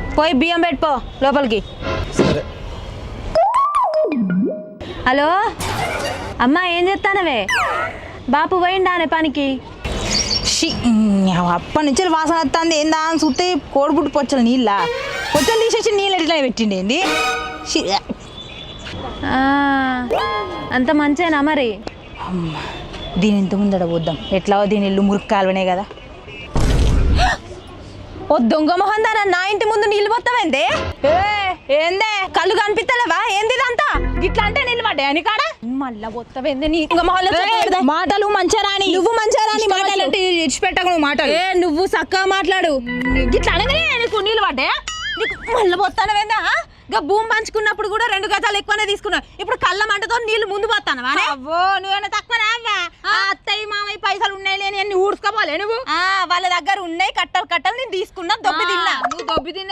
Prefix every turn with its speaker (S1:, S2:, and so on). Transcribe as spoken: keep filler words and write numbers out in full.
S1: పోయి బియ్యం పెట్టుకో లోపలికి.
S2: సరే.
S1: హలో అమ్మా, ఏం చేస్తానవే? బాపు పోయిండానే పనికి?
S3: అప్పటి నుంచి వాసన వస్తుంది. ఏందా అని చూస్తే కోడిపుట్టు పొచ్చలు నీళ్ళ పొచ్చలు తీసేసి నీళ్ళు ఎట్లా పెట్టిండి ఏంది?
S1: అంత మంచేనా మరి?
S3: దీని ఇంత ముందడ పోద్దాం. ఎట్లా దీని ఇల్లు మురికి కాలువనే కదా.
S1: ఓ దొంగ మొహం దానా, నా ఇంటి ముందు నీళ్ళు పోతావేందే? ఏందే కళ్ళు కనిపిస్తలేవా? ఏంది ఇదంతా?
S3: ఇట్లా అంటే నీళ్ళు పడ్డాయి అని కాడ
S1: మళ్ళా పోతావేందే? నీ దొంగ మొహంలో
S3: మాటలు మంచిగా రాని.
S1: నువ్వు మంచిగా రాని
S3: మాటలు అంటే ఇడిచిపెట్టకు నువ్వు మాటలు.
S1: ఏ నువ్వు చక్కగా మాట్లాడు.
S3: ఇట్లా అనగానే నీకు నీళ్ళు పడ్డాయా?
S1: నీకు మళ్ళీ పోతానవేందా? ఇంకా భూమి పంచుకున్నప్పుడు కూడా రెండు గజాలు ఎక్కువనే తీసుకున్నావు. ఇప్పుడు కళ్ళ మంటతో నీళ్లు ముందు పోతానవా?
S3: అవ్వో నువ్వేనా తక్కువ రావా? అత్తయ్య మామయ్య పైసలు ఉన్నాయి లేని అన్ని ఊడ్చుకోపోలే నువ్వు.
S1: వాళ్ళ దగ్గర ఉన్నాయి కట్టలు కట్టలు నేను తీసుకున్నా, దొబ్బి తిన్నా.
S3: నువ్వు దొబ్బి తిన్నా